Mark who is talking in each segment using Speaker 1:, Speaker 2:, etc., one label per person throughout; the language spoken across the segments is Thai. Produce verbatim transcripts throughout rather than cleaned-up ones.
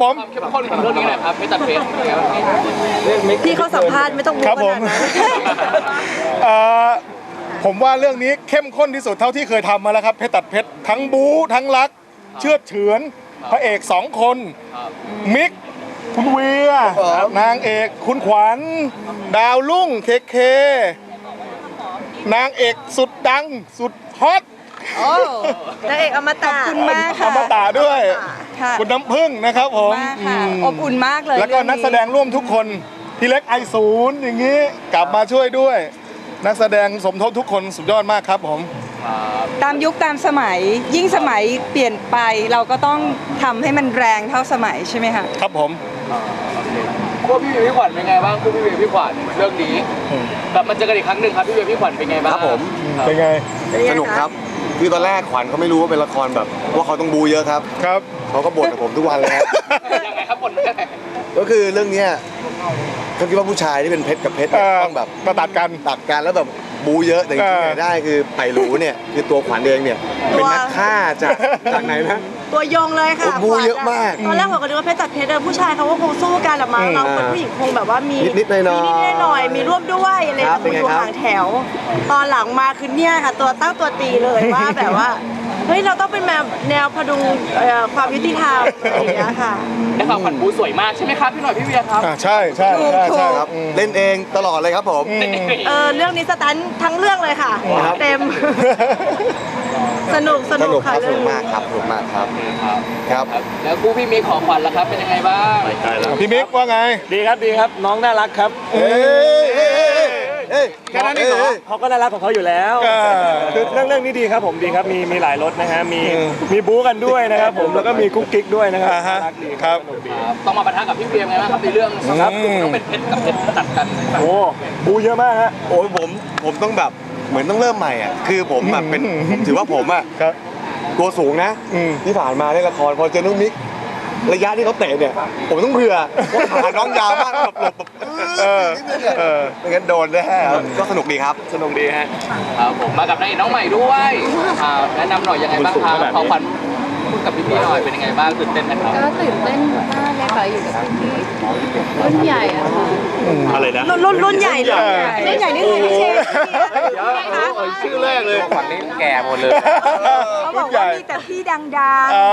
Speaker 1: ผม
Speaker 2: เข้มข้นของเรื่องนี้หน่อยครับเพชรตัดเพชร
Speaker 3: พี่เขาสัมภาษณ์ไม่ต้องรู้
Speaker 1: ครับ
Speaker 3: ข
Speaker 1: ผม
Speaker 3: นาดนั้น
Speaker 1: เอ่อผมว่าเรื่องนี้เข้มข้นที่สุดเท่าที่เคยทำมาแล้วครับเพชรตัดเพชรทั้งบู๊ทั้งรักเชื่อดเฉือนพระเอกสองคนมิกคุณเวียนางเอกคุณขวัญดาวรุ่งเคเคนางเอกสุดดังสุดฮอต
Speaker 3: โอ้นางเอกอมตะ
Speaker 4: ขอบคุณมาก
Speaker 1: อ
Speaker 4: ค่ะ
Speaker 1: มตะด้วย
Speaker 4: ค่ะ
Speaker 1: คุณน้ำพึ่งนะครับผม
Speaker 4: มากค่ะ
Speaker 1: อืม
Speaker 4: อบอุ่นมากเลย
Speaker 1: แล้วก็
Speaker 4: เรื่อง
Speaker 1: นักแสดงร่วมทุกคนพี่เล็กไอศูนย์อย่างนี้กลับมาช่วยด้วย นักแสดงสมทบทุกคนสุดยอดมากครับผม
Speaker 4: ตามยุคตามสมัย ยิ่งสมัยเปลี่ยนไปเราก็ต้องทำให้มันแรงเท่าสมัยใช่ไหมคะ
Speaker 1: ครับผม
Speaker 2: คู่พี่เวียพี่ขวัญเป็นไงบ้างคู่พี่เวียพี่ขวัญเรื่องนี้กลับมาเจอกันอีกครั้งหนึ่งครับพี่เวียพี่ขวัญเป็นไงบ้าง
Speaker 5: ครับผม
Speaker 1: เป็นไง
Speaker 5: สนุกครับคือตอนแรกขวัญเขาไม่รู้ว่าเป็นละครแบบว่าเขาต้องบูเยอะครับ
Speaker 1: ครับ
Speaker 5: เขาก็บ่นกับผมทุกวันเลยครับ
Speaker 2: ยังไงครับผลยังไง
Speaker 5: ก็คือเรื่องเนี้ยเขาคิดว่าผู้ชายที่เป็นเพชรกับเพชรเนี่ย
Speaker 1: เอ่อ
Speaker 5: ต้องแบบ
Speaker 1: มาตัดกัน
Speaker 5: ตัดกันแล้วแบบบูเยอะแต่จริงๆ
Speaker 1: เออ
Speaker 5: เนี่ยได้คือไผ่หรูเนี่ยคือตัวขวัญเองเนี่ยเป็นนักฆ่าจากจากไหนนะ
Speaker 3: ตัวยงเลยค่ะ
Speaker 5: โอ้บูเยอะมาก
Speaker 3: ตอนแรกผมก็นึกว่าเพชรตัดเพชรผู้ชายเขาก็คงสู้กันละมั้ง
Speaker 1: อืม
Speaker 3: เราเป็นผู้หญิงคงแบบว่ามี
Speaker 5: นิดๆหน่อยๆ
Speaker 3: มีนิดๆหน่อยๆมีร่วมด้วยอะไร
Speaker 5: ครับ
Speaker 3: แต่
Speaker 5: เป็นไง
Speaker 3: อยู่
Speaker 5: ครับ
Speaker 3: ห่างแถว ตอนหลังมาคือเนี่ยค่ะ ตัวตั้งตัวตีเลยว่าแบบว่าเฮ้ยเราต้องเป็นแบบแนวพดุงเอ่อความยุติธรรมอะไรอย่างเงี้ยค่ะ
Speaker 2: ได้ข่าวขวัญบูสวยมากใช่ไหมครับพี่หน่อยพี่เวียครับ
Speaker 1: อ่าใช่ใช่ใช่ใช่
Speaker 5: ครับ
Speaker 1: อืม
Speaker 5: เล่นเองตลอดเลยครับผม
Speaker 1: อืม
Speaker 3: เออเรื่องนี้สตันทั้งเรื่องเลยค่ะ
Speaker 5: ครับ
Speaker 3: เต็ม สนุกส
Speaker 5: ส
Speaker 3: นุ
Speaker 5: นุ
Speaker 3: ก
Speaker 5: กค
Speaker 3: ค่ะ
Speaker 5: รับส
Speaker 3: เรื่อ
Speaker 5: นุ
Speaker 3: ง
Speaker 5: ก
Speaker 3: นี้
Speaker 5: มากครับสนุกมากครับ
Speaker 2: ครับ
Speaker 5: ครับ
Speaker 2: แล้วคู่พี่มีของขวัญล่ะครับเป็นยังไงบ้าง
Speaker 1: พี่มิกว่าไง
Speaker 6: ดีครับดีครับน้องน่ารักครับ
Speaker 5: เอ้ยเอ้ยเอ้ยเอ้ย
Speaker 6: แค่นั้นเองเหรอเขาก็น่ารักของเขาอยู่แล้ว
Speaker 1: เออ
Speaker 6: คือเรื่องเรื่องนี้ดีครับผมดีครับมีมีหลายรสนะฮะมี
Speaker 1: อืม
Speaker 6: มีบู๊กันด้วยนะครับผมแล้วก็มีกุ๊กกิ๊กด้วยนะครับ
Speaker 1: อ่าฮะ
Speaker 6: น่ารักดี
Speaker 1: ครับ
Speaker 6: สนุกดี
Speaker 2: ครับต้องมาปะทะกับพี่เวียไงบ้างครับในเรื่อง
Speaker 1: ครับ
Speaker 2: ต้องเป็นเพชรกับเพชรตัดกัน
Speaker 6: โอ้บู๊เยอะมากฮะ
Speaker 5: โอ้ยผมผมต้องแบบเหมือนต้องเริ่มใหม่อ่ะคือผมแบบเป็นผมถือว่าผมอ่ะ
Speaker 1: ครับ
Speaker 5: ตัวสูงนะ
Speaker 1: อืม
Speaker 5: ที่ผ่านมาในละครพอเจอน้องมิกระยะที่เขาเตะเนี่ย ผมต้องเผื่อว่าขาน้องยาวมากแบบหลบแบบ
Speaker 1: เออ
Speaker 5: นิดนึงเนี่ย
Speaker 1: เออ
Speaker 5: ไม่งั้นโดนแน่ครับก็สนุกดีครับ
Speaker 6: สนุกดีฮะ
Speaker 2: ครับผมมากับนางเอกน้องใหม่ด้วยอ่าแนะนำหน่อยยังไงบ้างครับขอขวัญพูดกับพี่ๆหน่อยเป็นยังไงบ้างตื่นเต้นไหมครับ
Speaker 7: ก็ตื่นเต้นมากเลยค่ะอยู่กับพี่ๆรุ่นใหญ่อะค่ะ
Speaker 6: อะไรนะ
Speaker 3: รุ่นรุ่นรุ่นใหญ่เลยรุ่นใหญ่นี่คือพี่เชฟ
Speaker 5: ชื่อแรกเลยขวัญนี่แก่หมดเลย
Speaker 4: เขาบอกว่ามีแต่พี่ดัง
Speaker 1: อ๋อ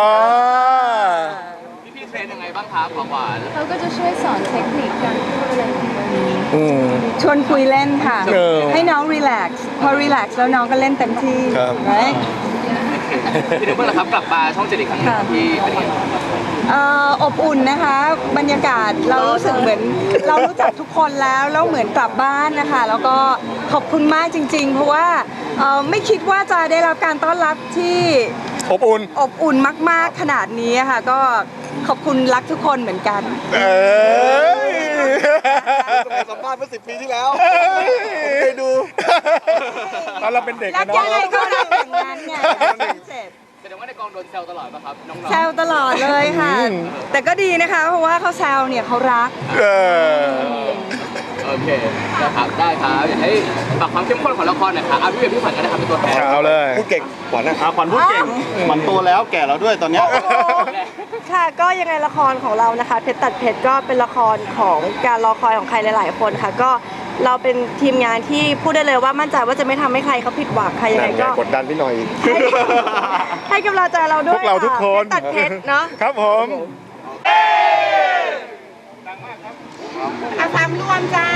Speaker 2: พี่ๆเทรนยังไงบ้างครับของขวัญ
Speaker 7: เขาก็จะช่วยสอนเทคนิคการพูดอะไรอย่างเงี้ย
Speaker 1: อืม
Speaker 4: ๆ ชวนคุยเล่นค่ะ
Speaker 1: เออ
Speaker 4: ให้น้องรีแลกซ์พอรีแลกซ์แล้วน้องก็เล่นเต็มที่
Speaker 1: ครับ
Speaker 4: right?
Speaker 2: พี่นึกว่าล่ะครับกลับมาช่องเจ็ดอีกครั้งหนึงพี่เป็นยังไงบ้าง
Speaker 4: เอ่ออบอุ่นนะคะ บรรยากาศเรารู้สึกเหมือนเรารู้จักทุกคนแล้วแล้วเหมือนกลับบ้านนะคะ แล้วก็ขอบคุณมากจริง ๆ เพราะว่าเอ่อไม่คิดว่าจะได้รับการต้อนรับที่
Speaker 1: อบอุ่น
Speaker 4: อบอุ่นมากๆขนาดนี้ค่ะก็ขอบคุณรักทุกคนเหมือนกัน
Speaker 1: เอ้ย
Speaker 5: สมัยสัมภาษณ์เมื่อสิบปีที่แล้วไปดู
Speaker 1: ตอนเราเป็นเด็ก
Speaker 4: รั
Speaker 1: กั
Speaker 4: ก
Speaker 1: นเนาะ
Speaker 4: ยังไงก็รักอย่างนั้นไง
Speaker 2: แสดงว่าในกองโดนแซวตลอดป่ะครับน้องๆ
Speaker 4: แซวตลอดเลยค่ะ แต่ก็ดีนะคะ เพราะว่าเขาแซวเนี่ยเขารัก
Speaker 1: เออ
Speaker 2: โอเคนะครับได้ครับอยากให้ฝากความเข้มข้นของละครหน่อยครับอ่ะพี่เวียพี่ขวัญก็ได้ครับเป็นตัวแทน
Speaker 1: เอาเลย
Speaker 5: พูดเก่งขวัญนะ
Speaker 6: อาขวัญพูดเก่งขวัญโตแล้วแก่แล้วด้วยตอนเนี้ย
Speaker 3: ค่ะก็ยังไงละครของเรานะคะเพชรตัดเพชรก็เป็นละครของการรอคอยของใครหลาย ๆ คนค่ะก็เราเป็นทีมงานที่พูดได้เลยว่ามั่นใจว่าจะไม่ทำให้ใครเขาผิดหวังค่ะยังไง
Speaker 5: นั่นไง
Speaker 3: ก็
Speaker 5: กดดันพี่หน่อย
Speaker 3: ให้ให้กำลังใจเราด้
Speaker 1: พ
Speaker 3: ว
Speaker 1: วย กเราทุกคน
Speaker 3: เพชรตัดเพชรเนาะ
Speaker 1: ครับผม
Speaker 3: อาสามรวมจ้า